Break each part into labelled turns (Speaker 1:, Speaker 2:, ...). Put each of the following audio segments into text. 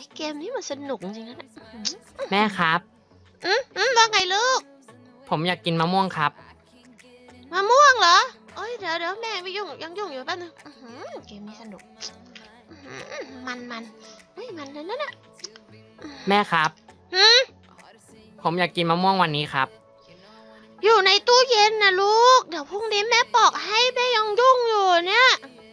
Speaker 1: ยเกมนี้มันสนุกจริงๆนะ
Speaker 2: แม่ครับ
Speaker 1: ว่าไงลูก
Speaker 2: ผมอยากกินมะม่วงครับ
Speaker 1: มะม่วงเหรอเอ้ยเดี๋ยวแม่ไม่ยุ่งยังยุ่งอยู่แป๊บนึงเกมนี้สนุกมันเฮ้ยมันเลยนะ
Speaker 2: แม่ครับผมอยากกินมะม่วงวันนี้ครับ
Speaker 1: อยู่ในตู้เย็นนะลูกเดี๋ยวพรุ่งนี้แม่ปอกให้แม่ยังยุ่งอยู่เนี่ย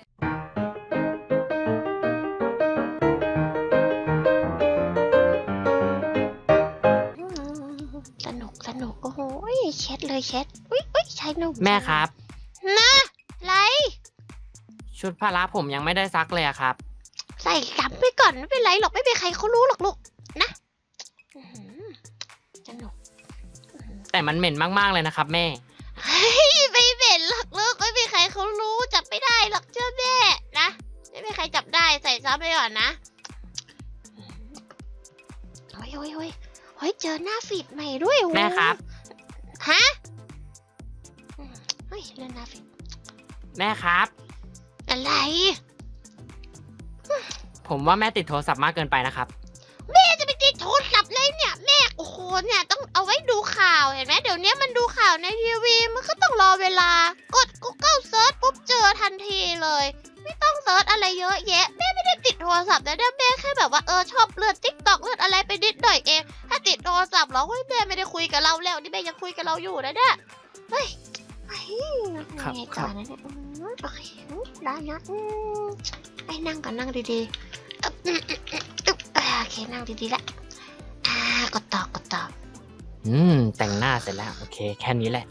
Speaker 1: สนุกโอ้โหเช็ดเลยเช็ดอุ้ยใช้หนุ่ม
Speaker 2: แม่ครับ
Speaker 1: นะไร
Speaker 2: ชุดพละผมยังไม่ได้ซักเลยอะครับ
Speaker 1: ใส่กลับไปก่อนไม่เป็นไรหรอกไม่มีใครเขารู้หรอกลูกนะสนุก
Speaker 2: แต่มันเหม็นมากๆเลยนะครับแม่
Speaker 1: ไม่เหม็นหรอกลูกไม่มีใครเขารู้จับไม่ได้หรอกเชื่อแม่นะไม่มีใครจับได้ใส่ซ้ำไปก่อนนะโอ้ยเจอหน้าฟีดใหม่ด้วย
Speaker 2: แม่ครับ
Speaker 1: ฮะเฮ้ยเล่นหน้าฟีด
Speaker 2: แม่ครับ
Speaker 1: อะไร
Speaker 2: ผมว่าแม่ติดโทรศัพท์มากเกินไปนะครับ
Speaker 1: แม่จะไปติดโทรศัพท์เลยเนี่ยแม่โอ้โหเนี่ยต้องเอาไว้ดูข่าวเห็นไหมเดี๋ยวนี้มันดูข่าวในทีวีมันก็ต้องรอเวลากด Google Search ปุ๊บเจอทันทีเลยไม่ต้องเซิร์ชอะไรเยอะแยะแม่ไม่ได้ติดโทรศัพท์นะแม่แค่แบบว่าชอบเลื่อน TikTok เลื่อนอะไรไปนิดหน่อยเองถ้าติดโทรศัพท์แล้วแม่ไม่ได้คุยกับเราแล้วนี่แม่ยังคุยกับเราอยู่นะเนี่ยเฮ้ย
Speaker 2: ครับ
Speaker 1: โอเคได้นะไปนั่งก่อนนั่งดีๆโอเคนั่งดีๆละกดต่อ
Speaker 2: แต่งหน้าเสร็จแล้วโอเคแค่นี้แหละ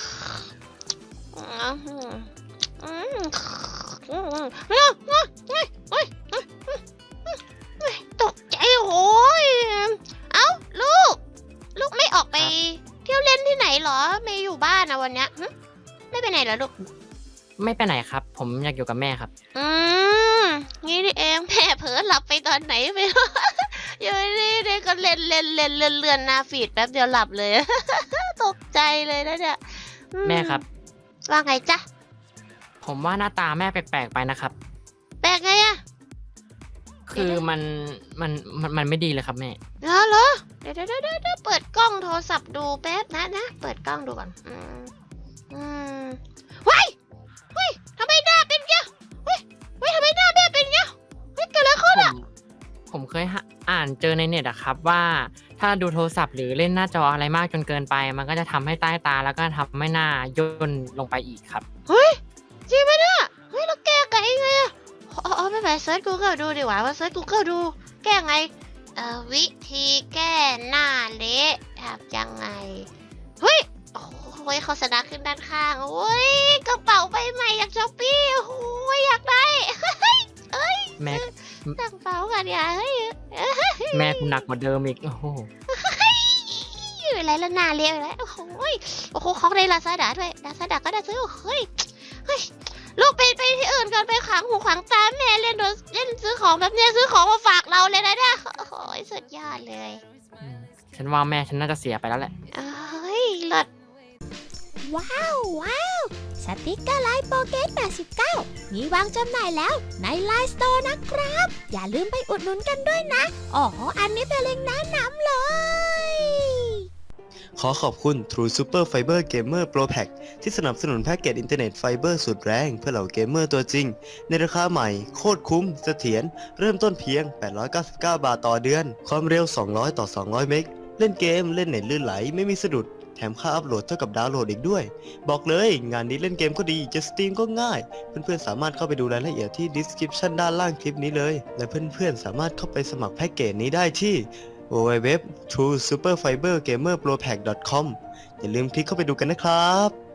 Speaker 1: ตกใจโอ้ยเอ้าลูกไม่ออกไปเที่ยวเล่นที่ไหนเหรอไม่อยู่บ้านนะวันเนี้ยไม่ไปไหนเหรอลูก
Speaker 2: ไม่ไปไหนครับผมอยากอยู่กับแม่ครับ
Speaker 1: งี้นี่เองแม่เผลอหลับไปตอนไหนไม่รู้อยู่นี่ก็เลื่อนหน้าฟีดแป๊บเดียวหลับเลยตกใจเลยนะเนี่ย
Speaker 2: แม่ครับ
Speaker 1: ว่าไงจ๊ะ
Speaker 2: ผมว่าหน้าตาแม่แปลกๆไปนะครับ
Speaker 1: แปลกไงอะ
Speaker 2: คือมันไม่ดีเลยครับแม่
Speaker 1: เหรอเดี๋ยวเปิดกล้องโทรศัพท์ดูแป๊บนะเปิดกล้องดูก่อนเฮ้ยทำไมหน้าเป็นเงี้ยเฮ้ยทำไมหน้าแม่เป็นเงี้ยเฮ้ยเกิดอะไรขึ้นอะ
Speaker 2: ผมเคยอ่านเจอในเน็ตอะครับว่าถ้าดูโทรศัพท์หรือเล่นหน้าจออะไรมากจนเกินไปมันก็จะทำให้ใต้ตาแล้วก็ทำให้หน้าย่นลงไปอีกครับ
Speaker 1: เฮ้ยจริงไหมเนี่ยเฮ้ยแล้วแก้ไงไงอะไม่เป็นไรเซิร์ช Google ดูดีกว่าว่าเซิร์ช Google ดูแก้ไงวิธีแก้หน้าเละทำยังไงเฮ้ยโอ้ยโฆษณาขึ้นด้านข้างโอ้ยกระเป๋าใบใหม่อยากช้อปปี้โอ้ยอยากได้
Speaker 2: แม่
Speaker 1: ตั้งเป๋ากันอย่า
Speaker 2: แม่กูหนักกว่าเดิมอีกโอ้โห
Speaker 1: อะไรละหน้าเละอะไรโอ้โหของในลาซาด้าด้วยลาซาด้าก็ได้ซื้อเฮ้ยลูกไปที่อื่นกันไปขังหูขังตาแม่เล่นซื้อของแบบนี้ซื้อของมาฝากเราเลยนะเนี่ยโอ้ยสุดยอดเลย
Speaker 2: ฉันว่าแม่ฉันน่าจะเสียไปแล้วแหละ
Speaker 1: เลิศว้าวสติกเกอร์ไลน์โปเกต89มีวางจำหน่ายแล้วในไลน์สโตร์นะครับอย่าลืมไปอุดหนุนกันด้วยนะอันนี้เป็นเล็งก์แนะนำเลย
Speaker 3: ขอขอบคุณ True Super Fiber Gamer Pro Pack ที่สนับสนุนแพ็กเกจอินเทอร์เน็ตไฟเบอร์สุดแรงเพื่อเหล่าเกมเมอร์ตัวจริงในราคาใหม่โคตรคุ้มเสถียรเริ่มต้นเพียง899 บาทต่อเดือนความเร็ว200ต่อ200เมกเล่นเกมเล่นเน็ตลื่นไหลไม่มีสะดุดแถมค่าอัพโหลดเท่ากับดาวน์โหลดอีกด้วยบอกเลยงานนี้เล่นเกมก็ดีจะสตรีมก็ง่ายเพื่อนๆสามารถเข้าไปดูรายละเอียดที่ description ด้านล่างคลิปนี้เลยและเพื่อนๆสามารถเข้าไปสมัครแพ็กเกจนี้ได้ที่www.truesuperfibergamerpropack.com อย่าลืมคลิกเข้าไปดูกันนะครับ